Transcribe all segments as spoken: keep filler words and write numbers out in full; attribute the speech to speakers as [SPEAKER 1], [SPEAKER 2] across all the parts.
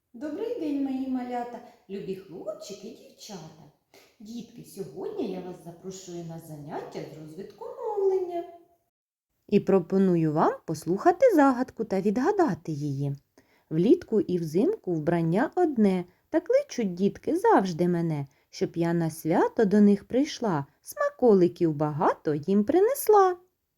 [SPEAKER 1] Добрий день, мої малята, любі хлопчики і дівчата. Дітки, сьогодні я вас запрошую на заняття з розвитку мовлення. І пропоную вам послухати загадку та відгадати її. Влітку і взимку вбрання одне, та кличуть дітки завжди мене, щоб я на свято до них прийшла, смаколиків багато їм принесла.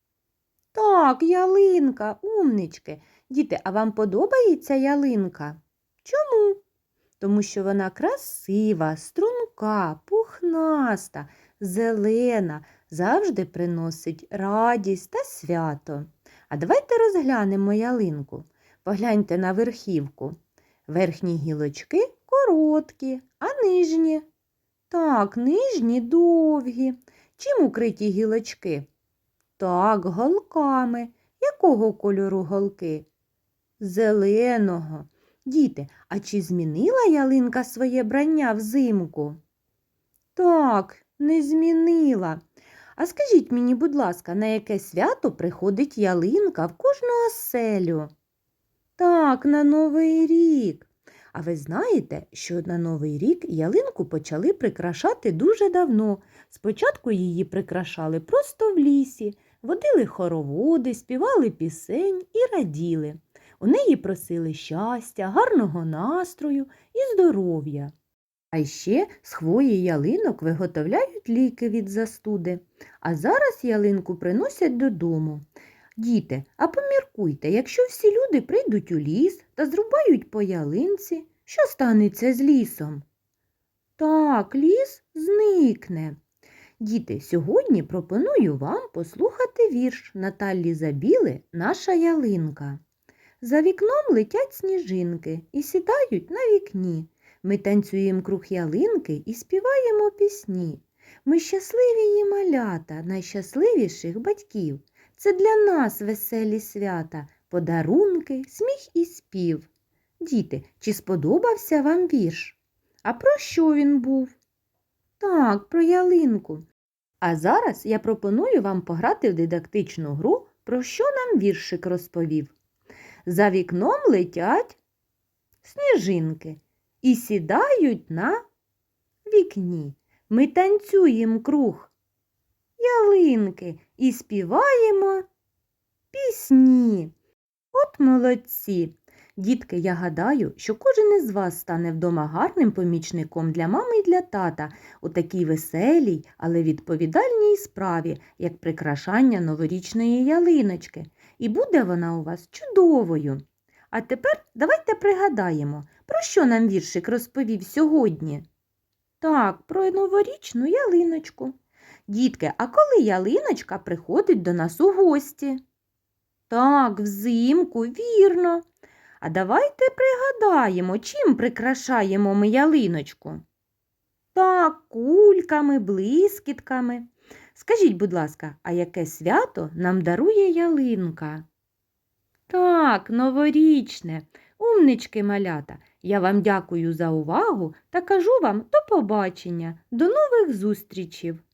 [SPEAKER 1] Так, ялинка, умнички. Діти, а вам подобається ялинка? Чому? Тому що вона красива, струнка, пухнаста, зелена, завжди приносить радість та свято. А давайте розглянемо ялинку. Погляньте на верхівку. Верхні гілочки короткі, а нижні? Так, нижні довгі. Чим укриті гілочки? Так, голками. Якого кольору голки? Зеленого. Діти, а чи змінила ялинка своє брання взимку? Так, не змінила. А скажіть мені, будь ласка, на яке свято приходить ялинка в кожну оселю? Так, на Новий рік. А ви знаєте, що на Новий рік ялинку почали прикрашати дуже давно. Спочатку її прикрашали просто в лісі, водили хороводи, співали пісень і раділи. У неї просили щастя, гарного настрою і здоров'я. А ще з хвої ялинок виготовляють ліки від застуди. А зараз ялинку приносять додому. Діти, а поміркуйте, якщо всі люди прийдуть у ліс та зрубають по ялинці, що станеться з лісом? Так, ліс зникне. Діти, сьогодні пропоную вам послухати вірш Наталі Забіли «Наша ялинка». За вікном летять сніжинки і сідають на вікні. Ми танцюємо круг ялинки і співаємо пісні. Ми щасливі її малята, найщасливіших батьків. Це для нас веселі свята, подарунки, сміх і спів. Діти, чи сподобався вам вірш? А про що він був? Так, про ялинку. А зараз я пропоную вам пограти в дидактичну гру, про що нам віршик розповів. За вікном летять сніжинки і сідають на вікні. Ми танцюємо круг ялинки і співаємо пісні. От молодці! Дітки, я гадаю, що кожен із вас стане вдома гарним помічником для мами і для тата у такій веселій, але відповідальній справі, як прикрашання новорічної ялиночки. І буде вона у вас чудовою. А тепер давайте пригадаємо, про що нам віршик розповів сьогодні. Так, про новорічну ялиночку. Дітки, а коли ялиночка приходить до нас у гості? Так, взимку, вірно. А давайте пригадаємо, чим прикрашаємо ми ялиночку. Так, кульками, блискітками. Скажіть, будь ласка, а яке свято нам дарує ялинка? Так, новорічне. Умнички, малята. Я вам дякую за увагу та кажу вам до побачення, до нових зустрічей.